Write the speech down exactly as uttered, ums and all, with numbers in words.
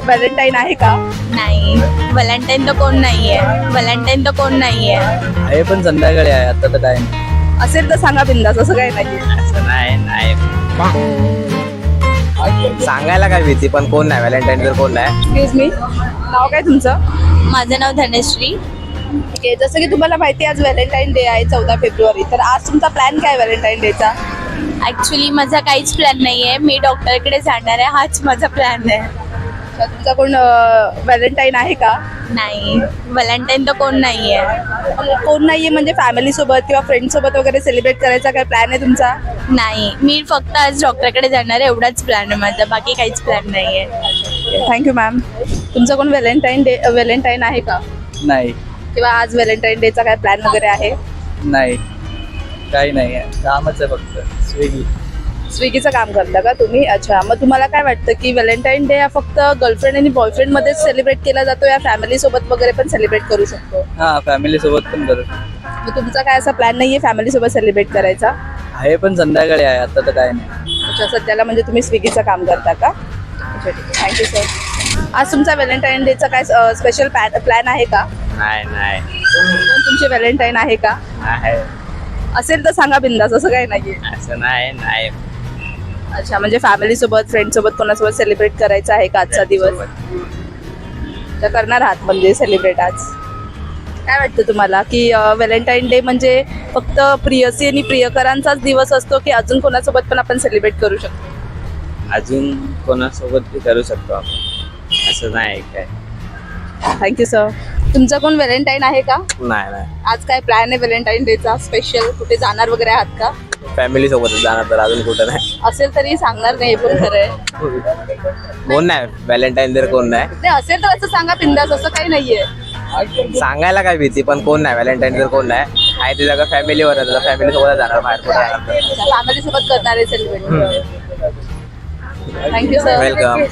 Valentine आहे का? नाही, व्हॅलेंटाईन तर कोण नाहीये. व्हॅलेंटाईन तर कोण नाहीये. आहे पण संध्याकाळी आहे, आता तर काय नाही. असेल तर सांगा बिंदास, असं काही नाही. असं नाही नाही सांगायला काय भीती, पण कोण नाही व्हॅलेंटाईन तर कोण नाही. एक्सक्यूज मी, नाव काय तुमचं? माझं नाव धनश्री. ठीक आहे, जसं की तुम्हाला माहिती आहे आज व्हॅलेंटाईन डे आहे चौदा फेब्रुवारी. तर आज तुमचा प्लॅन काय व्हॅलेंटाईन डेचा? ऍक्च्युली माझा काहीच प्लॅन नाहीये. मी डॉक्टरकडे जाणार आहे, हाच माझा प्लॅन आहे. तर तुमचा कोण व्हॅलेंटाईन आहे का? नाही, व्हॅलेंटाईन तर कोण नाहीये. कोण नाहीये म्हणजे फॅमिली सोबत किंवा फ्रेंड सोबत वगैरे सेलिब्रेट करायचा काय प्लॅन आहे तुमचा? नाही, मी फक्त आज डॉक्टरकडे जाणार आहे, एवढाच प्लॅन आहे माझा. बाकी काहीच प्लॅन नाहीये. Thank you ma'am. तुमचा कोण व्हॅलेंटाईन डे व्हॅलेंटाईन आहे का? नाही किंवा आज व्हॅलेंटाईन डेचा काय प्लॅन वगैरे आहे? नाही काही नाही आहे, कामच आहे फक्त. स्विगी स्विगीचं काम करता का तुम्ही? अच्छा, मग तुम्हाला काय वाटतं की व्हॅलेंटाईन डे हा फक्त गर्लफ्रेंड आणि बॉयफ्रेंड मध्येच सेलिब्रेट केला जातो या फॅमिली सोबत वगैरे पण सेलिब्रेट करू शकतो? हा फॅमिली सोबत पण करू. मग तुमचा काय असा प्लॅन नाहीये फॅमिली सोबत सेलिब्रेट करायचा? आहे पण संध्याकाळी आहे, आता तर काय नाही. अच्छा, सध्याला म्हणजे तुम्ही स्विगीचं काम करता का? अच्छा, ठीक आहे, थँक्यू सर. आज तुमचा व्हॅलेंटाईन डेचा काय स्पेशल प्लॅन आहे का? नाही नाही कोण तुमचे व्हॅलेंटाईन आहे का? आहे, असेल तर सांगा बिंदास, असं काही नाहीये. असं नाही नाही अच्छा, म्हणजे फॅमिली सोबत फ्रेंड सोबत कोणासोबत सेलिब्रेट करायचा आहे का आजचा दिवस? तर करणार आहात म्हणजे सेलिब्रेट आज. काय वाटतं तुम्हाला की व्हॅलेंटाईन डे म्हणजे फक्त प्रियसी आणि प्रियकरांचाच दिवस असतो की अजून कोणासोबत पण आपण सेलिब्रेट करू शकतो? अजून कोणासोबत बी करू शकतो आपण, असं नाही काय. Thank you sir. तुमचा कोण व्हॅलेंटाईन आहे का? नाही नाही आज काय प्लॅन आहे व्हॅलेंटाईन डेचा स्पेशल? कुठे जाणार वगैरे आहात का? फॅमिली सोबतच जाणार, तर अजून कुठं नाही. असेल तरी सांगणार नाही, पण खरं आहे. कोण नाही व्हॅलेंटाईन तर कोण नाही. नाही, असेल तर असं सांगा बिंदास, असं काही नाहीये. सांगायला काय भीती, पण कोण नाही व्हॅलेंटाईन तर कोण नाही. आहे ते सगळं फॅमिलीवर आहे, फॅमिली सोबत जाणार, बाहेर कुठे जाणार. फॅमिली सोबत करणार आहे सेलिब्रेट. Thank you sir. वेलकम.